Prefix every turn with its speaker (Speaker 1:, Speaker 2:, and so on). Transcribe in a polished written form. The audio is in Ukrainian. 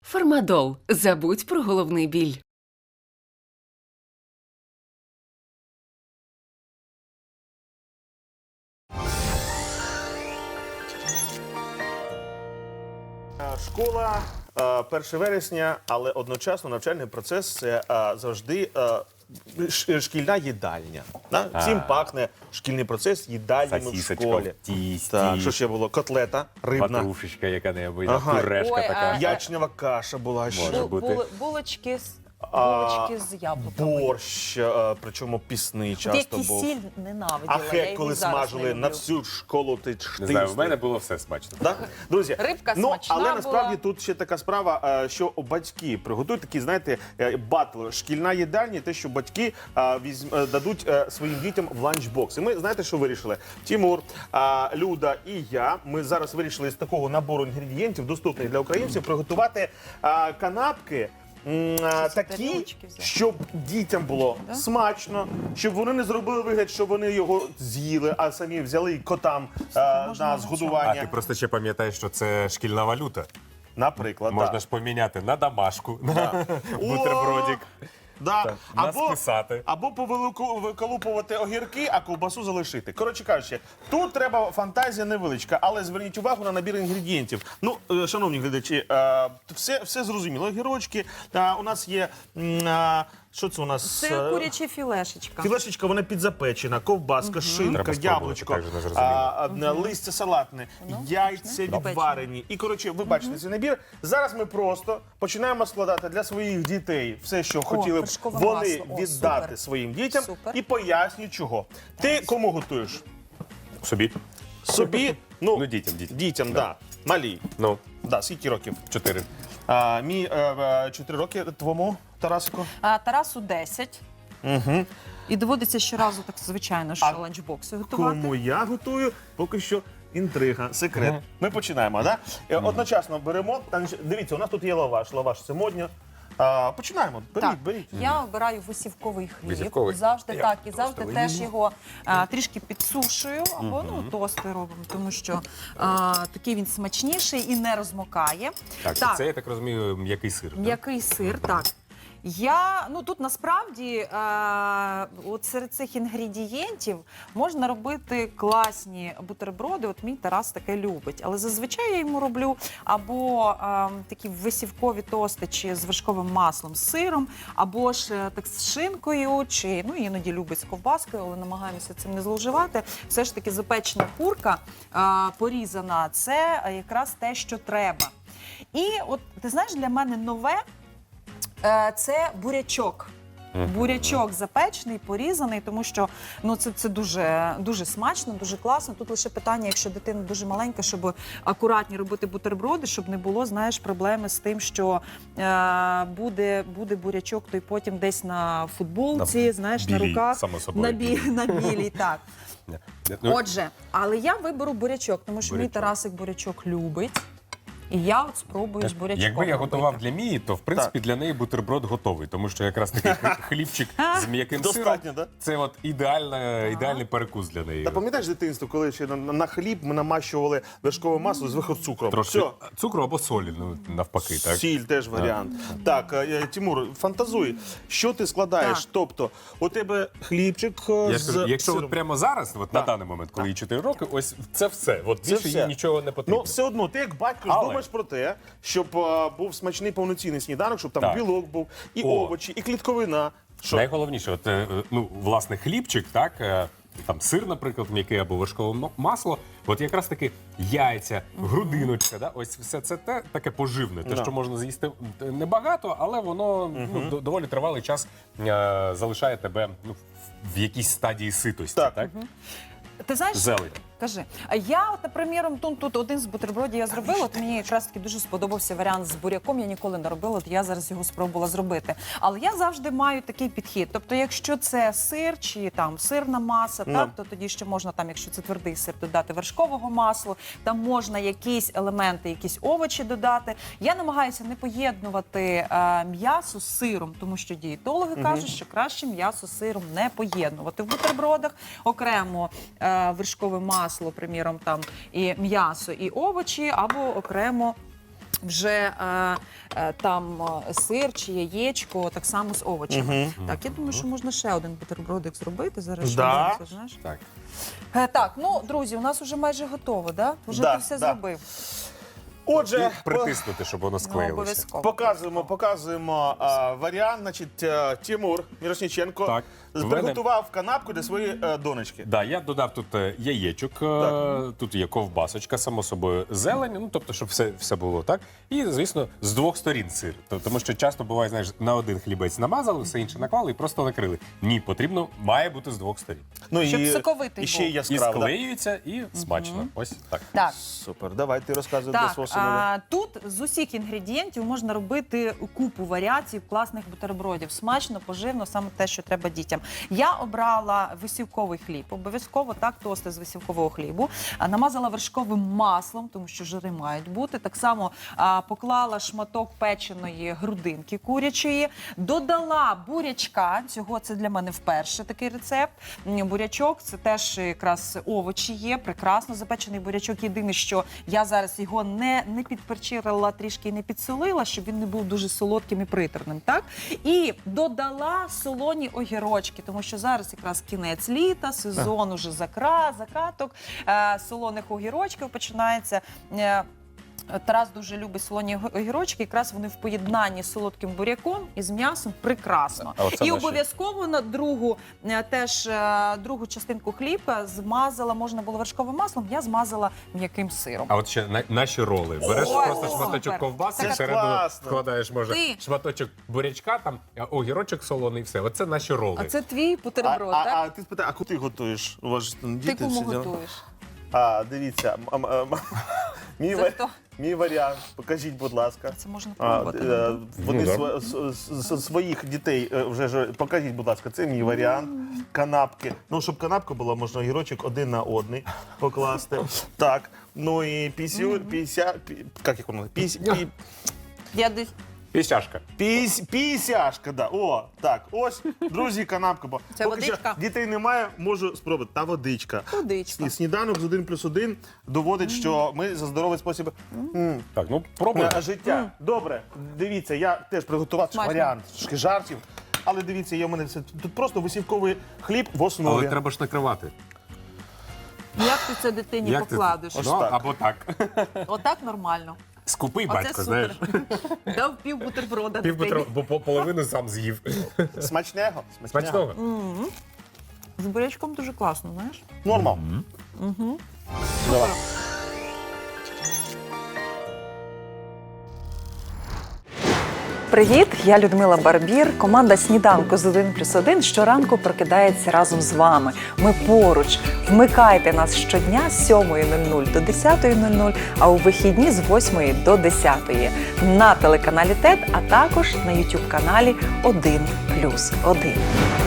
Speaker 1: Фармадол. Забудь про головний біль.
Speaker 2: Школа 1 вересня, але одночасно навчальний процес – це завжди шкільна їдальня. Всім пахне шкільний процес їдальнями в
Speaker 3: Сосисочка
Speaker 2: школі.
Speaker 3: в тісті.
Speaker 2: Так, що ще було? Котлета, рибна,
Speaker 3: Ватрушечка яка-небудь,
Speaker 2: Ага.
Speaker 3: пюрешка
Speaker 4: Ой,
Speaker 3: така.
Speaker 2: ячнева каша була ще.
Speaker 3: Може бути.
Speaker 4: Булочки з яблуками.
Speaker 2: Борщ, причому пісний
Speaker 4: Я
Speaker 2: часто був.
Speaker 4: кисіль ненавиділа.
Speaker 2: А
Speaker 4: я
Speaker 2: хек,
Speaker 4: його
Speaker 2: коли
Speaker 4: зараз
Speaker 2: смажили
Speaker 4: не
Speaker 2: на
Speaker 4: люблю.
Speaker 2: всю школу, ти
Speaker 3: Не знаю, в мене було все смачно.
Speaker 2: Так? Друзі,
Speaker 4: Рибка смачна
Speaker 2: але насправді
Speaker 4: була.
Speaker 2: тут ще така справа, що батьки приготують такий, знаєте, батл. Шкільна їдальня, те, що батьки дадуть своїм дітям в ланчбокс. І ми, знаєте, що вирішили? Тимур, Люда і я, ми зараз вирішили з такого набору інгредієнтів, доступних для українців, приготувати канапки, такі,
Speaker 4: тарілочки взяти.
Speaker 2: щоб дітям було смачно, щоб вони не зробили вигляд, що вони його з'їли, а самі взяли і котам на
Speaker 3: А
Speaker 2: згодування.
Speaker 3: ти просто ще пам'ятаєш, що це шкільна валюта.
Speaker 2: Наприклад,
Speaker 3: Можна
Speaker 2: так.
Speaker 3: ж поміняти на домашку, на бутербродик.
Speaker 2: Да.
Speaker 3: Так, нас писати.
Speaker 2: Або повиколупувати огірки, а ковбасу залишити. Коротше кажучи, тут треба фантазія невеличка, але зверніть увагу на набір інгредієнтів. Ну, шановні глядачі, все зрозуміло. Огірочки, у нас є, що це у нас?
Speaker 4: Це куряча філешечка.
Speaker 2: Філешечка, вона підзапечена, ковбаска, шинка,
Speaker 3: Треба спробувати,
Speaker 2: яблучко,
Speaker 3: так же не зрозуміло.
Speaker 2: листя салатне, яйця відварені. І, коротше, ви бачите цей набір. Зараз ми просто починаємо складати для своїх дітей все, що хотіли б
Speaker 4: вершкове
Speaker 2: вони
Speaker 4: масло. О,
Speaker 2: віддати
Speaker 4: супер.
Speaker 2: своїм дітям.
Speaker 4: Супер.
Speaker 2: І пояснюю, чого. Ти кому готуєш?
Speaker 3: Собі.
Speaker 2: Собі?
Speaker 3: Ну, дітям.
Speaker 2: Дітям, да. Малій.
Speaker 3: Ну,
Speaker 2: Да, скільки років?
Speaker 3: 4.
Speaker 2: Мій 4 роки, твому, Тарасику?
Speaker 4: Тарасу 10. І доводиться щоразу, так звичайно, що ланчбокси готувати.
Speaker 2: Кому я готую, поки що інтрига, секрет. Ми починаємо, так? Одночасно беремо. Дивіться, у нас тут є лаваш. Лаваш це модньо. Починаємо. Беріть.
Speaker 4: Я обираю висівковий хліб.
Speaker 3: Висівковий?
Speaker 4: Завжди
Speaker 3: Я
Speaker 4: так. І
Speaker 3: просто
Speaker 4: завжди теж його трішки підсушую, або тости робимо, тому що такий він смачніший і не розмокає.
Speaker 3: Так, це, я так розумію, м'який сир. так?
Speaker 4: М'який сир, так. Тут насправді от серед цих інгредієнтів можна робити класні бутерброди. От мій Тарас таке любить. Але зазвичай я йому роблю або такі висівкові тости чи з вершковим маслом, з сиром, або ж так з шинкою, чи іноді любить з ковбаскою, але намагаємося цим не зловживати. Все ж таки запечена курка порізана – це якраз те, що треба. І от ти знаєш, для мене нове це бурячок. Бурячок запечений, порізаний, тому що це дуже, дуже смачно, дуже класно. Тут лише питання, якщо дитина дуже маленька, щоб акуратні робити бутерброди, щоб не було, проблеми з тим, що буде бурячок, то й потім десь на футболці, на
Speaker 3: білій,
Speaker 4: руках.
Speaker 3: само собою.
Speaker 4: На білій, так.
Speaker 3: Ну,
Speaker 4: Отже, але я виберу бурячок, тому що мій Тарасик бурячок любить. І я от спробую з бурячком
Speaker 3: Якби я
Speaker 4: робити.
Speaker 3: готував для Мії, то в принципі для неї бутерброд готовий, тому що якраз такий хлібчик з м'яким сиром
Speaker 2: Достатньо, так?
Speaker 3: це от ідеальний перекус для неї.
Speaker 2: Та пам'ятаєш дитинство, коли ще на хліб ми намащували вершкове масло з цукром?
Speaker 3: Трошки
Speaker 2: Все.
Speaker 3: цукру або солі, навпаки, так?
Speaker 2: Сіль теж варіант. Так, Тимур, фантазуй, що ти складаєш?
Speaker 4: Так.
Speaker 2: Тобто, у тебе хлібчик
Speaker 3: Я
Speaker 2: з
Speaker 3: скажу, якщо
Speaker 2: сиром.
Speaker 3: от прямо зараз, от на даний момент, коли їй 4 роки, ось це все. От більше їй нічого не потрібно.
Speaker 2: Ну, все одно, ти як батько
Speaker 3: Але-
Speaker 2: думаєш про те, щоб був смачний повноцінний сніданок, щоб там
Speaker 3: Так.
Speaker 2: білок був, і
Speaker 3: О.
Speaker 2: овочі, і клітковина. Що?
Speaker 3: Найголовніше, от, власне, хлібчик, так, там сир, наприклад, м'який або вершкове масло, от якраз таки яйця, грудиночка, да, ось все це таке поживне, те, що можна з'їсти небагато, але воно доволі тривалий час залишає тебе в якійсь стадії ситості.
Speaker 2: Так.
Speaker 3: Так?
Speaker 4: Ти знаєш,
Speaker 3: Зелень.
Speaker 4: кажи. А я, от, наприклад, тут один з бутербродів я зробила, от мені якраз таки дуже сподобався варіант з буряком, я ніколи не робила, от я зараз його спробувала зробити. Але я завжди маю такий підхід. Тобто, якщо це сир чи там сирна маса, так, то тоді ще можна, там, якщо це твердий сир, додати вершкового масла, там можна якісь елементи, якісь овочі додати. Я намагаюся не поєднувати м'ясо з сиром, тому що дієтологи кажуть, що краще м'ясо з сиром не поєднувати в бутербродах. Окремо вершкове масло, приміром, там і м'ясо, і овочі, або окремо вже там сир чи яєчко, так само з овочами. Так, я думаю, що можна ще один бутербродик зробити. Зараз ще
Speaker 2: Да.
Speaker 4: один, знаєш.
Speaker 3: Так.
Speaker 4: Так, ну, друзі, у нас вже майже готово, да? Вже
Speaker 2: Да,
Speaker 4: ти все
Speaker 2: да.
Speaker 4: зробив.
Speaker 2: Отже,
Speaker 3: І притиснути, щоб воно
Speaker 4: Ну,
Speaker 3: склеїлося.
Speaker 4: обов'язково.
Speaker 2: показуємо варіант. Значить, Тимур Мірошніченко
Speaker 3: Так.
Speaker 2: приготував канапку для своєї донечки.
Speaker 3: Да, я додав тут яєчок, тут є ковбасочка, само собою, зелень, ну тобто, щоб все було так. І, звісно, з двох сторін сир. Тому що часто буває, знаєш, на один хлібець намазали, все інше наклали і просто накрили. Ні, потрібно, має бути з двох сторін.
Speaker 2: Ну,
Speaker 4: Щоб соковитий
Speaker 2: і ще й
Speaker 4: був.
Speaker 3: І
Speaker 2: яскраво. да?
Speaker 3: склеюється, і смачно. Ось так.
Speaker 4: Так.
Speaker 2: Супер, давай ти розказуй для
Speaker 4: Так,
Speaker 2: свого сина.
Speaker 4: тут з усіх інгредієнтів можна робити купу варіацій класних бутербродів. Смачно, поживно, саме те, що треба дітям. Я обрала висівковий хліб, обов'язково так, тости з висівкового хлібу. Намазала вершковим маслом, тому що жири мають бути. Так само поклала шматок печеної грудинки курячої, додала бурячка. Цього це для мене вперше такий рецепт. Бурячок це теж якраз овочі є, прекрасно запечений бурячок. Єдине, що я зараз його не підперчирила, трішки не підсолила, щоб він не був дуже солодким і приторним. Так? І додала солоні огірочки, тому що зараз якраз кінець літа, сезон уже закаток, солоних огірочків починається. Тарас дуже любить солоні огірочки, якраз вони в поєднанні з солодким буряком і з м'ясом прекрасно.
Speaker 3: А оце
Speaker 4: І
Speaker 3: наші.
Speaker 4: обов'язково на другу частинку хліба змазала, можна було вершковим маслом, я змазала м'яким сиром.
Speaker 3: А от ще наші роли. Береш
Speaker 4: Ой,
Speaker 3: просто шматочок
Speaker 4: супер.
Speaker 3: ковбаси,
Speaker 2: Це ж
Speaker 3: всередину
Speaker 2: класно.
Speaker 3: вкладаєш, може,
Speaker 4: Ти-
Speaker 3: шматочок бурячка, там огірочок солоний, все. Оце наші роли.
Speaker 4: А це твій бутерброд, так?
Speaker 2: А ти спитай, а куди ти готуєш? У вас ж там
Speaker 4: Ти
Speaker 2: діти
Speaker 4: кому
Speaker 2: всі діла.
Speaker 4: готуєш?
Speaker 2: Дивіться,
Speaker 4: Це хто?
Speaker 2: мій варіант, покажіть, будь ласка.
Speaker 4: Це можна пробувати.
Speaker 2: Вони
Speaker 3: Ну,
Speaker 2: своїх дітей вже ж покажіть, будь ласка, це мій варіант. Канапки. Ну, щоб канапка була, можна огірочок один на один покласти. Так. Ну і як воно?
Speaker 4: Я десь
Speaker 3: Пісяшка.
Speaker 2: Пісяшка, да. О, так. Ось, друзі, канапка.
Speaker 4: Це
Speaker 2: Поки що
Speaker 4: водичка?
Speaker 2: дітей немає, можу спробувати. Та водичка.
Speaker 4: водичка.
Speaker 2: Сніданок з 1+1 доводить, що ми за здоровий спосіб
Speaker 3: Так, ну пробуй.
Speaker 2: життя. Добре, дивіться, я теж приготував
Speaker 4: Смачно.
Speaker 2: варіант трошки жартів. Але дивіться, є в мене все. Тут просто висівковий хліб в основі.
Speaker 3: Але треба ж накривати.
Speaker 4: Як ти це дитині
Speaker 3: Як ти-
Speaker 4: покладеш?
Speaker 2: Ось
Speaker 3: Ну,
Speaker 2: так.
Speaker 3: або так.
Speaker 4: Отак нормально.
Speaker 3: Скупий
Speaker 4: Оце
Speaker 3: батько, знаєш.
Speaker 4: супер. Дав пів бутерброда
Speaker 3: Пів
Speaker 4: дитині.
Speaker 3: бо половину сам з'їв.
Speaker 2: Смачного.
Speaker 3: Смачного.
Speaker 4: З бурячком дуже класно, знаєш?
Speaker 2: Нормал. Давай.
Speaker 5: Привіт, я Людмила Барбір. Команда «Сніданку з 1+1» щоранку прокидається разом з вами. Ми поруч. Вмикайте нас щодня з 7:00 до 10:00, а у вихідні з 8 до 10 на телеканалі ТЕТ, а також на YouTube-каналі 1+1.